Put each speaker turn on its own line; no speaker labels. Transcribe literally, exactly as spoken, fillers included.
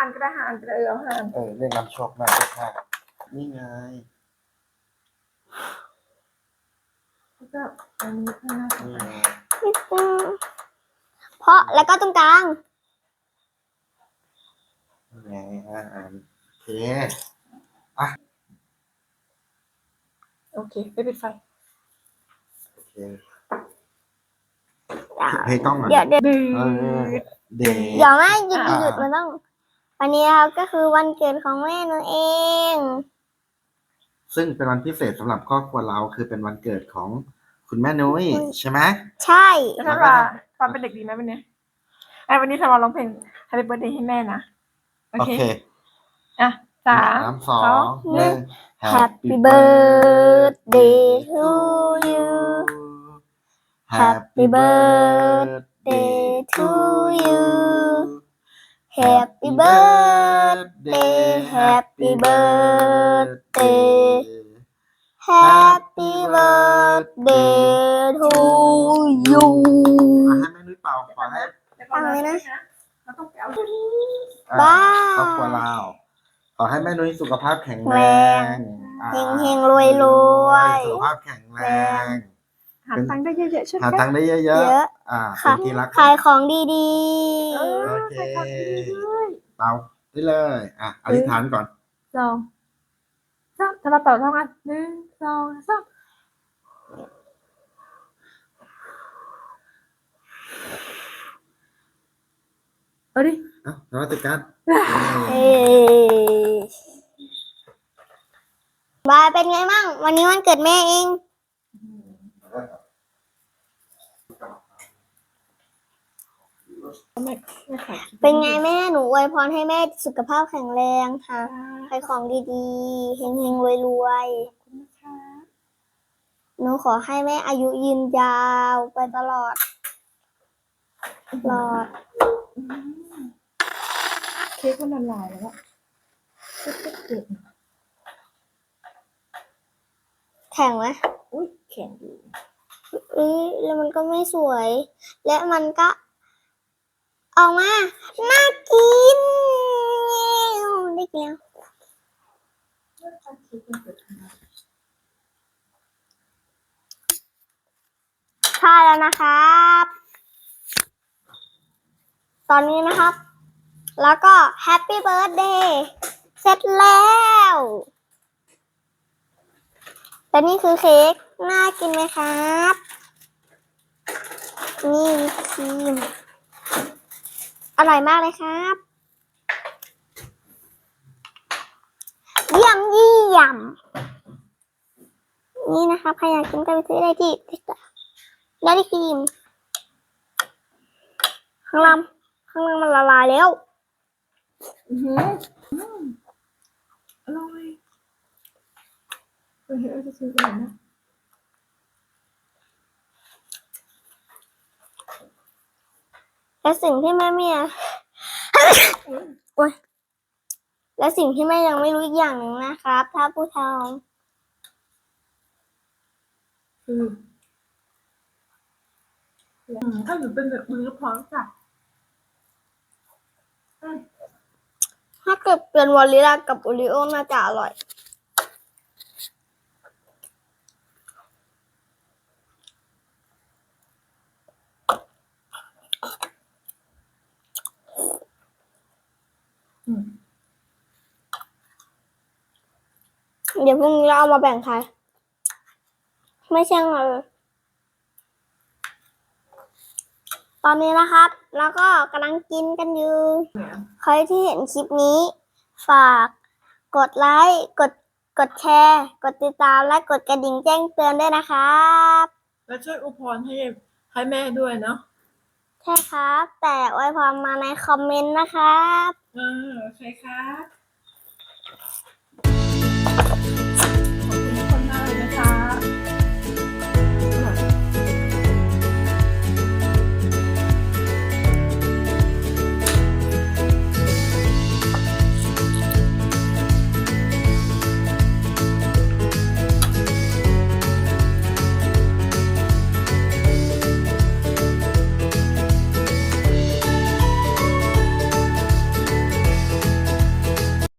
านก็ได้หานก็ได้เออเอาหาน
เออเรียกนำโชคมาโชคมานี่ไง
แล้วก็อันนี้ข้างหน้า
นี่ไง
เพราะแล้วก็ตรงกลาง
นี่ไงอ่าอ่านโอเค
โอเคไปปิดไฟ
โอเคเพลงกล้องก่อน
เดี๋ยวเดี๋ยว
เออเด
เดี๋ยวแม่หยุด
อ่า
หยุดมันต้องวันนี้ครับก็คือวันเกิดของแม่หนูเอง
ซึ่งเป็นวันพิเศษสำหรับครอบครัวเราคือเป็นวันเกิดของคุณแม่นุ้ยใช่ไหม
ใช่
แล้วถ้าว่าความเป็นเด็กดีไหมวันนี้ไอ้วันนี้ทำมาร้องเพลง Happy Birthday ให้แม่นะโอ
โอ
เค
เค
อ่ะสาม
สามสองหนึ่ง
Happy birthday to you Happy birthday to you Happy birthday Happy birthday Happy birthday to you
ให้แม่นุ้ยเป่าขอให้
ฟังเลยนะ
เราต้องไปเอา
อ่า
บ้า
ครอบครัวเราขอให้แม่นุ้ยสุขภาพแข็งแร
แรง
งอ่า
เฮงเฮงรวยรวย
สุขภาพแข็งแรง
หาตังค์ได้เยอะๆใช่ไหม
หาตังค์ได้เยอะ
เยอะ
ๆอ่าเป็
ค่ะ
นที่รัก
ขายของดี
เออ
โอเค
ใส่ของดีด้วย
เป่าได้เลยอ่ะอธิษฐานก่อน
สองสามถ้าเราเป่าเท่ากันหนึ่งสองสามเอาดิ
เอ้านวัตกรรม
ๆเอ้ยบายเป็นไงบ้างวันนี้วันเกิดแม่เอง
ไม่ไม่ขาย
เป็นไงแม่หนูอวยพรให้แม่สุขภาพแข็งแรงค่ะขายของดีๆเฮงเฮงรวยรวยๆ
นะคะ
หนูขอให้แม่อายุยืนยาวไปตลอดตลอด
เค้กมันละลายแล้วอะเก็บ
แข็งไหม
อุ้ยแข็งอยู่
เอ้ยแล้วมันก็ไม่สวย และมันก็ออกมาน่ากินได้กินแล้วใช่แล้วนะครับ ตอนนี้นะครับ แล้วก็แฮปปี้เบิร์ a เดย์เสร็จแล้วและนี่คือเค้กน่ากินไหมครับ นี่วิปครีมอร่อยมากเลยครับ เยี่ยมเยี่ยมนี่นะครับใครอยากกินก็ไปซื้อได้ที่ได้ที่ครีมข้างล่างข้างล่างมันละลายแล้ว
อือหืออืมอร่อยเออเฮ้ยจะซื้อกันนะ
และสิ่งที่แม่เมีย โอ๊ยและสิ่งที่แม่ยังไม่รู้อีกอย่างหนึ่งนะครับ ถ้าผู้ทอง
คืออืมถ้าหนูเป็นแบบมือพร้อมจ้ะ
ถ้าเกิดเป็นวอลลิลากับโอริโอน่าจะอร่อย
อืม
เดี๋ยวพรุ่งนี้เราเอามาแบ่งใครไม่ใช่เงนตอนนี้นะครับ แล้วก็กำลังกินกันอยู่ ใครที่เห็นคลิปนี้ ฝากกดไลค์ กด กดแชร์ กดติดตาม และกดกระดิ่งแจ้งเตือนด้วยนะครับ
แล้วช่วยอวยพรให้ให้แม่ด้วยเนาะ
ใช่ครับ แต่อวยพรมาในคอมเมนต์นะครับ
เออโอเคครับ